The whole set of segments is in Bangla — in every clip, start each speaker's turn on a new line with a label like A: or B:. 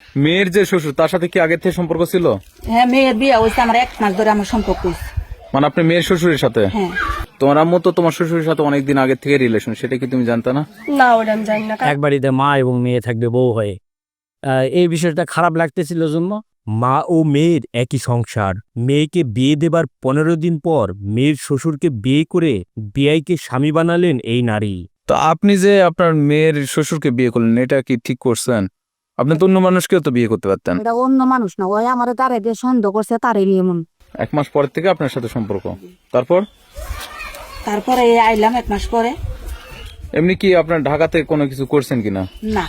A: মেয়ের যে শ্বশুর তার সাথে কি আগে থেকে সম্পর্ক ছিল?
B: হ্যাঁ, মেয়ের বিয়ে হয়েছে আমার 1 মাস ধরে আমার সম্পর্ক হয়েছে।
A: মানে আপনি মেয়ের শ্বশুরের সাথে?
B: হ্যাঁ।
A: তোমার আম্মু তো তোমার শ্বশুরের সাথে অনেকদিন আগে থেকে রিলেশন, সেটা কি তুমি জানতা না?
B: না, ওটা আমি জানি না।
C: এক বাড়িতে মা এবং মেয়ে থাকবে বউ হয়ে। এই বিষয়টা খারাপ লাগতেছিল জন্য মা ও মেয়ের একই সংসার। মেয়েকে বিয়ে দেবার 15 দিন পর মেয়ের শ্বশুরকে বিয়ে করে বিয়াইকে স্বামী বানালেন এই নারী।
A: তো আপনি যে আপনার মেয়ের শ্বশুরকে বিয়ে করলেন, এটা কি ঠিক করছেন? আপনি তো অন্য মানুষকেও তো বিয়ে করতে পারতেন।
B: এটা অন্য মানুষ না, ওই আমার তারে দিয়ে সন্দেহ করছে, তারে নিয়ে এমন।
A: 1 মাস পর থেকে আপনার সাথে সম্পর্ক,
B: তারপরে আইলাম 1 মাস পরে।
A: এমনি কি আপনার ঢাকাতে কোনো কিছু করছেন কিনা?
B: না,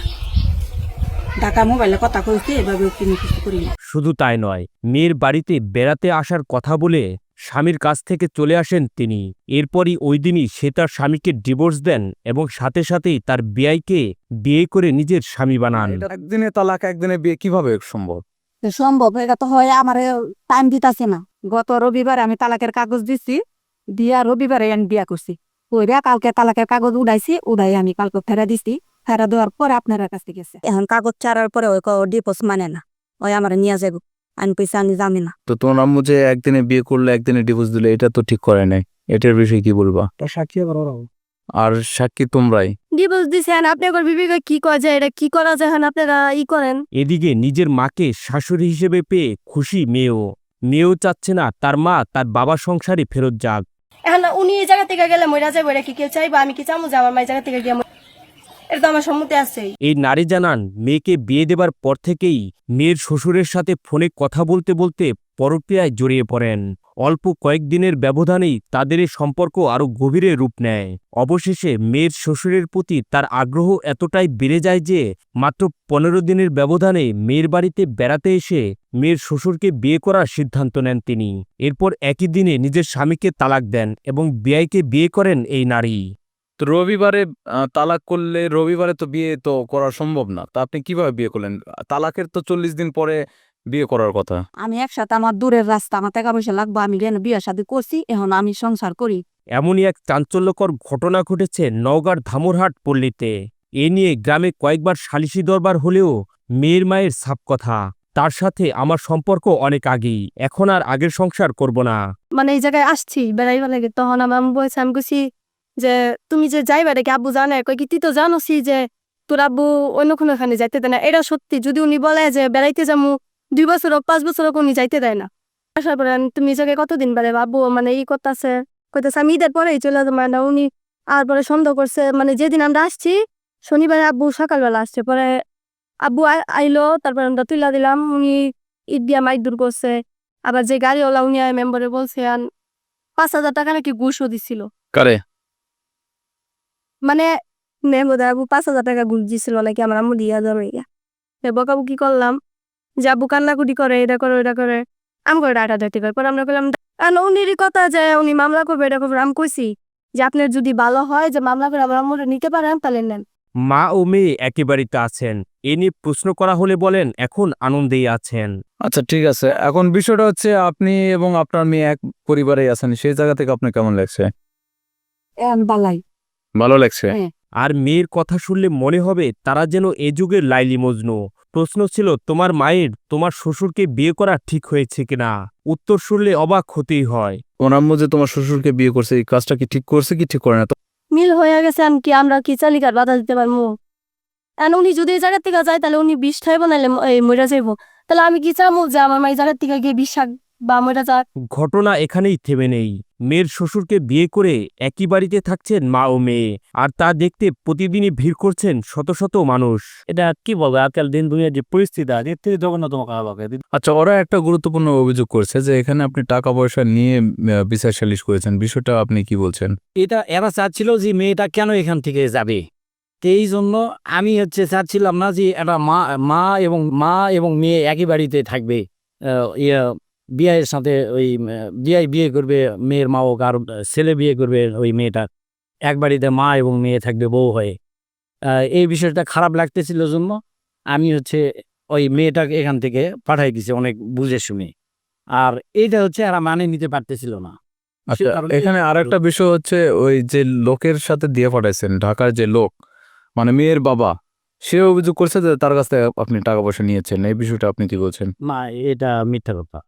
B: ঢাকা মোবাইলে কথা কইছি, এভাবে কোনো কিছু করি না।
C: শুধু তাই নয়, মেয়ের বাড়িতে বেড়াতে আসার কথা বলে স্বামীর কাছ থেকে চলে আসেন তিনি। এরপরই ওই দিনই সে তার স্বামীকে ডিভোর্স দেন এবং সাথে সাথেই তার বিয়াইকে বিয়ে করে নিজের স্বামী বানান।
A: এটা একদিনে তালাক, একদিনে বিয়ে কিভাবে সম্ভব?
B: তো সম্ভব, এটা তো হয় আমার টাইম দিতাছে না। গত রবিবারে আমি তালাকের কাগজ দিছি, দিয়া রবিবারে আমি বিয়া করছি। ওইরা কালকে তালাকের কাগজ উড়াইছি, উড়াই আমি কালকে ফেরা দিছি। ফেরা দেওয়ার পরে আপনার কাছে গেছে। এখন কাগজ ছাড়ার পরে ওই ডিপোজ মানে না, ওই আমার নিয়ে যাব। আমি পয়সা আমি জানি না।
A: তো তোমার আম্মু যে একদিনে বিয়ে করলে একদিনে ডিভোর্স দিলে, এটা তো ঠিক করে নাই। এটার বিষয়ে কি বলবা?
C: সাক্ষী
A: আর সাক্ষী তোমরাই।
B: ডিভোর্স দিছেন, আপনি একবার বিবেকে কি করা যায়, এটা কি করা যায়, আপনারা ই করেন।
C: এদিকে নিজের মাকে শাশুড়ি হিসেবে পেয়ে খুশি মেয়েও চাচ্ছে না তার মা তার বাবার সংসারে ফেরত যাক।
D: এখন উনি এই জায়গা থেকে গেলে মইরা যাবো, এটা কি কেউ চাইবো? আমি কি চামু যে আমার মা এই জায়গা থেকে গিয়ে এটা তো আমার সম্মতি আছেই।
C: এই নারী জানান মেয়েকে বিয়ে দেবার পর থেকেই মেয়ের শ্বশুরের সাথে ফোনে কথা বলতে বলতে পরকীয়ায় জড়িয়ে পড়েন। অল্প কয়েকদিনের ব্যবধানেই তাদের এই সম্পর্ক আরও গভীরে রূপ নেয়। অবশেষে মেয়ের শ্বশুরের প্রতি তার আগ্রহ এতটাই বেড়ে যায় যে মাত্র 15 দিনের ব্যবধানে মেয়ের বাড়িতে বেড়াতে এসে মেয়ের শ্বশুরকে বিয়ে করার সিদ্ধান্ত নেন তিনি। এরপর একই দিনে নিজের স্বামীকে তালাক দেন এবং বিয়াইকে বিয়ে করেন এই নারী।
A: তো রবিবারে তালাক করলে রবিবারে তো বিয়ে তো করা সম্ভব না। তা আপনি কিভাবে বিয়ে করলেন? তালাকের তো 40 দিন পরে বিয়ে করার কথা।
B: আমি একসাথে, আমার দূরের রাস্তা, আমার টাকা পয়সা লাগবে, আমি বিয়ে শাদী করছি, এখন আমি সংসার করি।
C: এমনই এক চাঞ্চল্যকর ঘটনা ঘটেছে নওগাঁর ধামুরহাট পল্লীতে। এ নিয়ে গ্রামে কয়েকবার সালিশি দরবার হলেও মেয়ের মায়ের সাপ কথা, তার সাথে আমার সম্পর্ক অনেক আগেই, এখন আর আগের সংসার করব না।
D: মানে এই জায়গায় আসছি বেড়াইবা লাগে, তখন আমার আম্মু বলছে, আমি কইছি যে তুমি যে যাইবা রেখে আব্বু জানে, কই কি তুই তো জানোসি যে তোর আব্বু অন্য কোনো এখানে যাইতে দেয় না। এটা সত্যি, যদি উনি বলে যে বেড়াইতে যাবো 2 বছর হোক 5 বছর হোক, উনি যাইতে দেয় না। আসার পরে তুমি এই জায়গায় কতদিন বেড়ে আব্বু মানে ই করতেছে, কইতেছে আমি ঈদের পরেই চলে যাবো না। উনি আর পরে সন্দেহ করছে, মানে যেদিন আমরা আসছি শনিবারে আব্বু সকালবেলা আসছে, পরে আব্বু আইলো, তারপরে আমরা তুইলা দিলাম, উনি ঈদ দিয়া মাইক দূর করছে। আবার যে গাড়িওয়ালা উনি মেম্বারে বলছে 5,000 টাকা নাকি ঘুষও দিছিল।
A: কারে?
D: মানে মেম্বার আবু 5,000 টাকা ঘুষ দিছিল নাকি আমার আম্মু দিয়া যাবে। বকাবু কি করলাম যে আব্বু কান্নাকুটি করে, এটা করে ওটা করে, আমি করে ডাটা ডাটি করে। পরে আমরা করলাম উনিরই কথা যে উনি মামলা করবে, এটা করবে। আমি কইছি যে আপনার যদি ভালো হয় যে মামলা করে আমার আম্মুরে নিতে পারেন তাহলে নেন।
C: মা ও মেয়ে একেবারেই আছেন। এ নিয়ে প্রশ্ন করা হলে বলেন এখন আনন্দেই আছেন।
A: আচ্ছা, ঠিক আছে। এখন বিষয়টা হচ্ছে আপনি এবং আপনার মেয়ে এক পরিবারেই আছেন, সেই জায়গা থেকে আপনার কেমন লাগছে?
B: এখন বালাই।
A: ভালো লাগছে?
B: হ্যাঁ।
C: আর মেয়ের কথা শুনলে মনে হবে তারা যেন এ যুগের লাইলি মজনু। প্রশ্ন ছিল তোমার মায়ের তোমার শ্বশুরকে বিয়ে করা ঠিক হয়েছে কিনা। উত্তর শুনলে অবাক হতেই হয়।
A: ওর আম্মু যে তোমার শ্বশুরকে বিয়ে করছে, এই কাজটা কি ঠিক করছে কি ঠিক করে না?
D: মিল হয়ে গেছে, আমি কি আমরা কি চালিকার বাধা দিতে পারবো? উনি যদি এই জায়গার থেকে যায় তাহলে উনি বিষ খাইব, নাহলে মরে যাইব। তাহলে আমি কি চাবো যে আমার মা এই জায়গার থেকে গিয়ে বিষ খাক বা মরে যাক?
C: ঘটনা এখানেই থেমে নেই। মেয়ের শ্বশুরকে বিয়ে করে একই বাড়িতে থাকছেন মা ও মেয়ে, আর তা দেখতে প্রতিদিনই ভিড় করছেন শত শত মানুষ। এটা কি বলবো, আজকাল দিন দুনিয়ার যে পরিস্থিতি আছে, এর থেকে জঘন্যতম খারাপ।
A: আচ্ছা, ওরা একটা গুরুত্বপূর্ণ অভিযোগ করছে যে এখানে আপনি টাকা পয়সা নিয়ে বিচার সালিশ করেছেন, বিষয়টা আপনি কি বলছেন?
E: এরা চাচ্ছিল যে মেয়েটা কেন এখান থেকে যাবে, তো এই জন্য আমি চাচ্ছিলাম না যে একটা মা এবং মেয়ে একই বাড়িতে থাকবে। বিয়ের সাথে ওই বিয়ে করবে মেয়ের মা, হোক আর ছেলে বিয়ে করবে ওই মেয়েটা, এক বাড়িতে মা এবং মেয়ে থাকবে বউ হয়ে। এই বিষয়টা খারাপ লাগতেছিল জন্য আমি ওই মেয়েটাকে এখান থেকে পাঠাই দিছি অনেক বুঝে শুনে। আর এইটা এরা মানে নিতে পারতেছিল না।
A: আচ্ছা, এখানে আরেকটা বিষয় হচ্ছে, ওই যে লোকের সাথে দিয়ে পাঠাইছেন, ঢাকার যে লোক, মানে মেয়ের বাবা, সে অভিযোগ করছে যে তার কাছ থেকে আপনি টাকা পয়সা নিয়েছেন, এই বিষয়টা আপনি কি বলছেন?
E: না, এটা মিথ্যা কথা।